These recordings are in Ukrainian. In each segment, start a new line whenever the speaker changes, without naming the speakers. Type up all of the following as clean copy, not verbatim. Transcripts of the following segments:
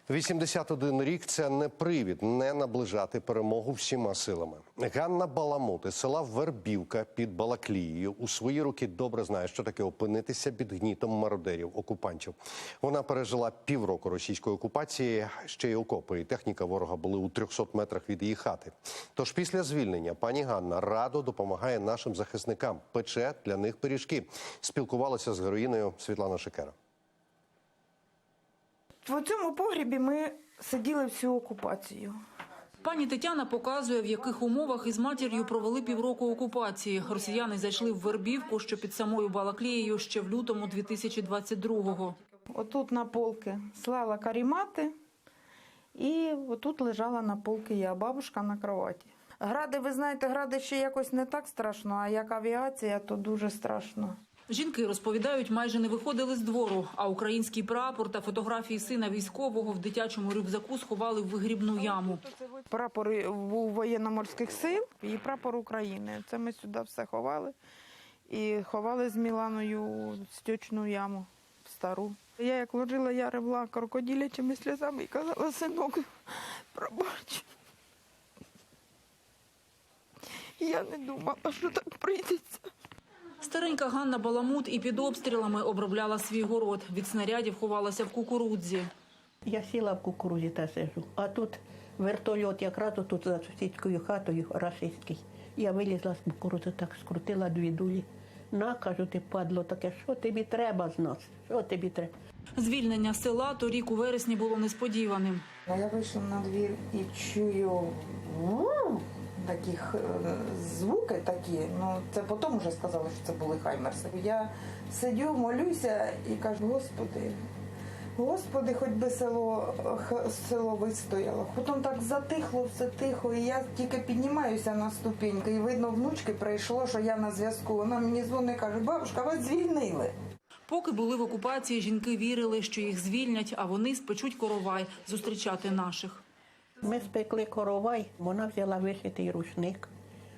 81 рік – це не привід не наближати перемогу всіма силами. Ганна Баламут із села Вербівка під Балаклією у свої роки добре знає, що таке опинитися під гнітом мародерів, окупантів. Вона пережила півроку російської окупації, ще й окопи і техніка ворога були у 300 метрах від її хати. Тож після звільнення пані Ганна радо допомагає нашим захисникам, пече для них пиріжки. Спілкувалася з героїнею Світлана Шикера.
В цьому погрібі ми сиділи всю окупацію.
Пані Тетяна показує, в яких умовах із матір'ю провели півроку окупації. Росіяни зайшли в Вербівку, що під самою Балаклією, ще в лютому 2022-го.
Отут на полки слала карімати, і отут лежала на полки я, бабушка на кроваті. Гради, ви знаєте, гради ще якось не так страшно, а як авіація, то дуже страшно.
Жінки розповідають, майже не виходили з двору, а український прапор та фотографії сина військового в дитячому рюкзаку сховали в вигрібну яму.
Прапор був воєнно-морських сил і прапор України. Це ми сюди все ховали. І ховали з Міланою стічну яму стару. Я як ложила, я ревла крокодилячими сльозами і казала: синок, пробач. Я не думала, що так прийдеться.
Старенька Ганна Баламут і під обстрілами обробляла свій город. Від снарядів ховалася в кукурудзі.
Я сіла в кукурудзі та сижу, а тут вертольот якраз тут за сусідською хатою рашистський. Я вилізла з кукурудзи, так скрутила дві дулі. На, кажу, ти падло таке, що тобі треба з нас, що тобі треба?
Звільнення села торік у вересні було несподіваним.
Я вийшла на двір і чую таких звуки такі, ну це потім вже сказали, що це були хаймерси. Я сидю, молюся і кажу: Господи, хоч би село вистояло. Потім так затихло, все тихо, і я тільки піднімаюся на ступеньки, і видно, внучки прийшло, що я на зв'язку. Вона мені дзвонить і каже: бабушка, вас звільнили.
Поки були в окупації, жінки вірили, що їх звільнять, а вони спечуть коровай зустрічати наших.
Ми спекли коровай, вона взяла вишитий рушник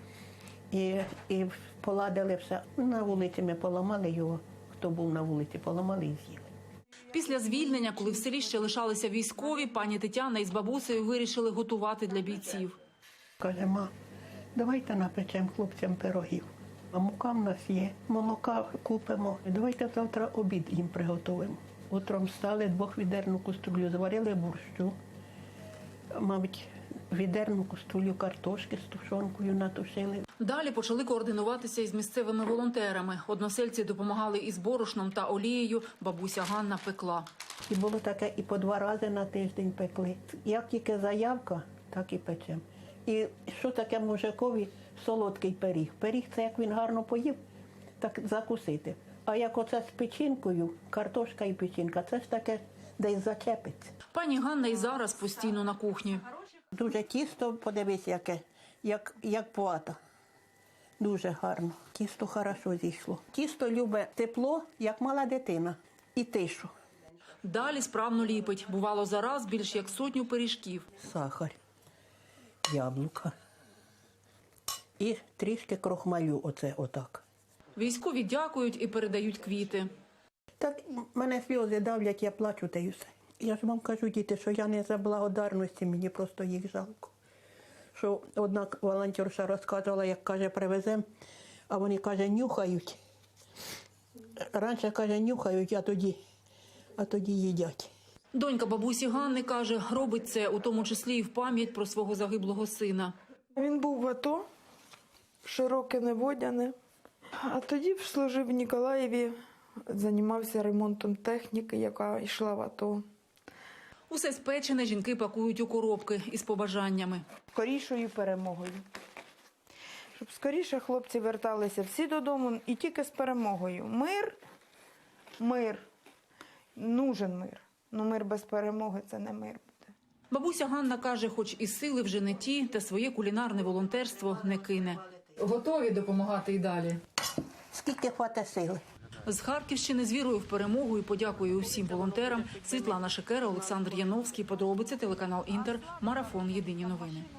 і поладили все. На вулиці ми поламали його, хто був на вулиці, поламали і з'їли.
Після звільнення, коли в селі ще лишалися військові, пані Тетяна із бабусею вирішили готувати для бійців.
Каже: ма, давайте напечемо хлопцям пирогів. А мука в нас є, молока купимо. Давайте завтра обід їм приготуємо. Утром встали, 2-відерну каструлю зварили борщу. Мабуть, відерну каструлю картошки з тушонкою натушили.
Далі почали координуватися із місцевими волонтерами. Односельці допомагали із борошном та олією, бабуся Ганна пекла.
І було таке, і по 2 рази на тиждень пекли. Як тільки заявка, так і печемо. І що таке мужикові солодкий пиріг? Пиріг – це як він гарно поїв, так закусити. А як оце з печінкою, картошка і печінка, це ж таке десь зачепиться.
Пані Ганна і зараз постійно на кухні.
Дуже тісто, подивись, яке, як плата. Дуже гарно. Тісто хорошо зійшло. Тісто любить тепло, як мала дитина, і тишу.
Далі справно ліпить. Бувало зараз більш як 100 пиріжків.
Сахар, яблука і трішки крохмалю, оце отак.
Військові дякують і передають квіти.
Так мене сльози давлять, я плачу та й все. Я ж вам кажу, діти, що я не за благодарності, мені просто їх жалко. Що одна волонтерша розказувала, як, каже, привеземо, а вони, каже, нюхають. Раніше, каже, нюхають, а тоді їдять.
Донька бабусі Ганни каже, робить це у тому числі і в пам'ять про свого загиблого сина.
Він був в АТО, широке неводяне, а тоді служив в Ніколаєві, займався ремонтом техніки, яка йшла в АТО.
Усе спечене жінки пакують у коробки із побажаннями.
Скорішою перемогою. Щоб скоріше хлопці верталися всі додому і тільки з перемогою. Мир, нужен мир. Но мир без перемоги – це не мир буде.
Бабуся Ганна каже, хоч і сили вже не ті, та своє кулінарне волонтерство не кине. Готові допомагати і далі?
Скільки хватить сили.
З Харківщини з вірою в перемогу і подякую усім волонтерам. Світлана Шикера, Олександр Яновський. Подробиці, телеканал Інтер. Марафон. Єдині новини.